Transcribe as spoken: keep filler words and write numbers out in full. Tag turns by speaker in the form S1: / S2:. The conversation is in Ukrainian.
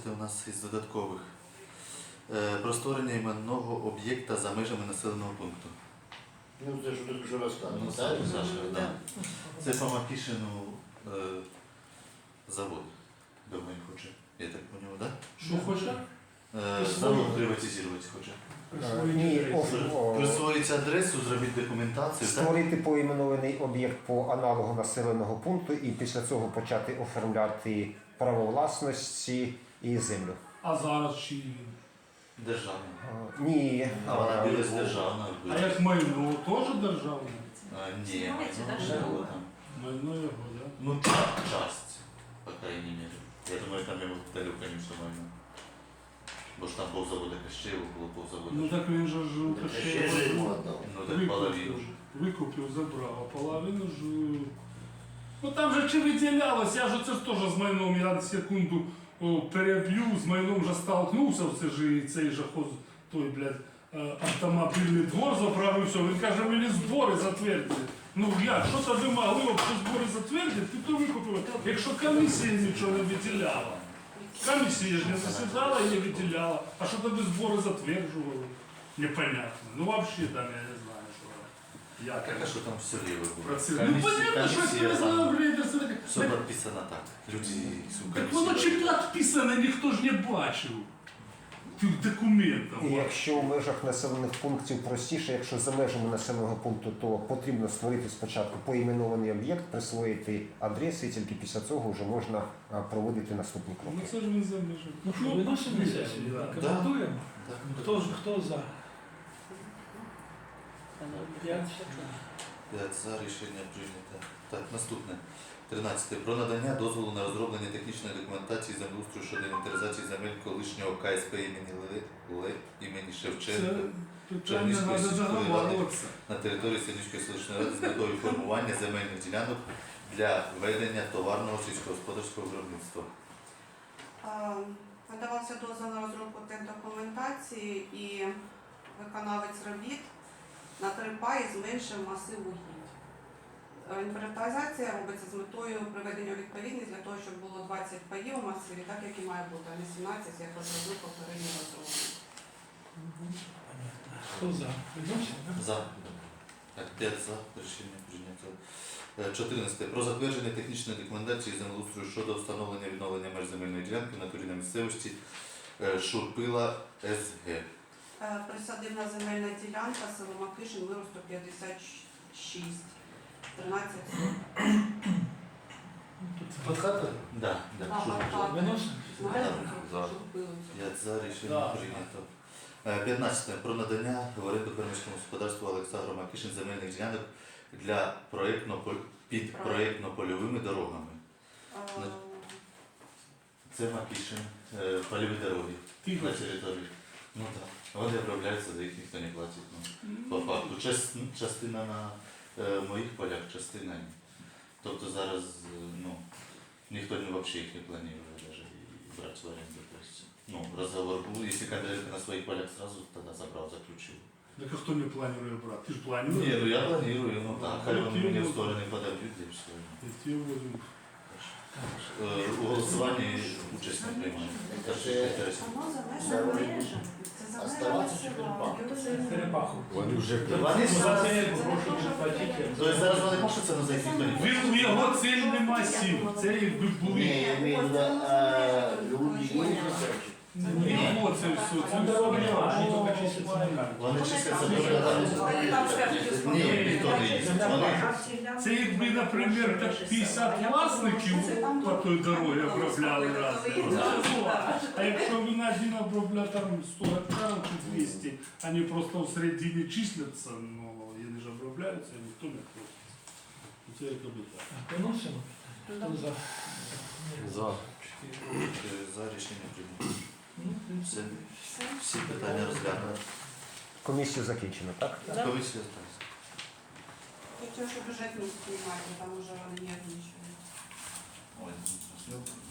S1: у нас із додаткових. Е, Про створення іменного об'єкта за межами населеного пункту.
S2: Ну, це ж тут вже
S1: Ну,
S2: розказано,
S1: Саша,
S2: так?
S1: Саша, да. Це по Макішину е, завод. Думаю, хоче. Я так поняв, так?
S3: Що хоче?
S1: Е, завод приватизувати хоче.
S4: Ні, о- о-
S1: Присвоїть адресу, зробіть документацію, так?
S4: створити поіменований об'єкт по аналогу населеного пункту і після цього почати оформляти право власності і землю.
S3: А зараз чи він?
S1: Державний.
S4: А, Ні,
S1: А вона
S4: а,
S1: біля з державною.
S3: А як майно теж державне?
S1: А, ні,
S5: Знаєте,
S1: ну,
S5: державне.
S1: що там.
S3: Майно його, так?
S1: Ну, так, часть, по крайней мере. Я думаю, там йому дали, конечно, майно. Бо ж там повзавода Кащеєва було повзавода.
S3: Ну так він же ж
S2: Ще ж йому віддав.
S1: Ну, так половину.
S3: викупив, викупив, забрав, а половину ж... Ну там же чи виділялось, я ж це ж теж з майном, я на секунду о, переб'ю, з майном вже столкнувся, це ж і цей же хоз, той, блядь, е, автомобільний двор заправився, він каже, мені збори затвердили. Ну як, що то ви могли б ці збори затвердити, ти то викупив, якщо комісія нічого не виділяла. Комісія ж не засідала і не виділяла, а що тоді збори затверджували? Непонятно. Ну взагалі там я не знаю, що. Як
S1: Так, а що там все ліве було?
S3: працює. Ну понятно, що
S1: комісія
S3: це
S1: там,
S3: за блядь, це таке.
S1: все
S3: Так,
S1: підписано так. Люди, сука,
S3: так воно чи підписане, ніхто ж не бачив. Тих документів.
S4: і якщо в межах населених пунктів простіше, якщо за межами населеного пункту, то потрібно створити спочатку поіменований об'єкт, присвоїти адреси, і тільки після цього вже можна а, проводити наступні
S3: Ну
S4: кроки.
S3: це ж він заміжив.
S6: Ну що, виносимо на сесію,
S3: да.
S6: коментуємо?
S1: Так.
S6: Хто, ж- хто за? П'ять.
S1: П'ять за, рішення прийнято. Так, наступне. тринадцяте. Про надання дозволу на розроблення технічної документації землеустрою щодо інвентаризації земель колишнього ка ес пе імені Ле, Ле імені
S3: Це
S1: Шевченка
S3: питання
S1: Чернігівської
S3: треба
S1: сільської ради.
S3: договорюватися.
S1: на території Синівської селищної ради з метою формування земельних ділянок для ведення товарного сільськогосподарського виробництва.
S5: Е, Надавався дозвіл на розробку техдокументації і виконавець робіт на три паї зменшив масив угідь. Е, Інвентаризація робиться з метою приведення у відповідність для того, щоб було двадцять паїв у масиві, так як і має бути, а не сімнадцять, як розробив попередній розробник.
S6: Хто за? Виносимо, да?
S1: За. Так, п'ять за. Рішення прийнято. Е, чотирнадцяте. Про затвердження технічної документації землеустрою щодо встановлення і відновлення меж земельної ділянки в натурі на місцевості е, Шурпила ес ге.
S5: Е, Присадибна земельна ділянка, село Макишин, виросту п'ятдесят шість, тринадцять соток.
S2: Під хатою?
S1: Да, да,
S5: Ага,
S1: Шурпила.
S5: так.
S6: Виносимо?
S5: Знаєте,
S1: За.
S5: що купили?
S1: п'ять за. Рішення
S6: Да.
S1: прийнято. Е, п'ятнадцяте. Про надання в оренду фермерському господарству Олександру Макішин земельних ділянок для проєктно під проєктно-польовими дорогами.
S5: Е,
S1: Це Макішин, е, польові дороги
S3: Тихо.
S1: на території. Ну так. Вони обробляються, за їх ніхто не платить. Ну, по факту. Час- частина на е, моїх полях, частина ні. Тобто зараз е, ну, ніхто не, взагалі їх не планує навіть і брати в оренду. Тобто, ну, розговор був, якщо Кондратенко на своїх полях сразу тоді забрав, заключив.
S3: Так а хто не планує брати? Ти ж
S1: Ні,
S3: плануєш?
S1: ну я планую, ну так, хай вони мені в сторони подавлють, і все.
S3: Ті возьмуть.
S1: Е, У голосуванні участь не приймаю. Так що
S2: Це-
S1: інтересно.
S5: Воно за межами. Це за межами
S2: Оставатися чи
S5: села.
S2: перепахувати?
S5: Його це-
S6: Перепаху.
S1: Вони
S6: Ну, за
S1: зараз-
S6: це прошу не платити.
S1: Тобто зараз вони пишуться, але за їх ніхто не
S3: Він
S1: платить.
S3: у його цільний масів. Це якби
S2: Ні,
S3: були.
S2: я маю на увазі, а, люди є заперечення.
S3: Ні, його це все. Це
S6: Там
S3: все.
S6: дороги немає, вони тільки чистяться на камінь.
S1: Вони чистяться
S5: Вони
S1: дуже
S5: там
S1: рано.
S5: скажуть,
S1: Ні, ніхто не їздить. Вони
S3: Це якби, наприклад, так п'ятдесят власників по той дорогі обробляли разом. А якщо він один обробляє там сто гектарів чи двісті, вони просто в середині числяться, ну, вони ж обробляються, і ніхто не просить. Це якби так.
S6: Виносимо? Хто за?
S4: За.
S1: Чотири за рішення прийняли.
S6: Ну,
S1: Все, всі питання розглянули.
S4: Комісію закінчено, так?
S1: Комісія так.
S5: Хотів, що бюджет не знімати, там вже вони нервничають.
S1: Ой, ну,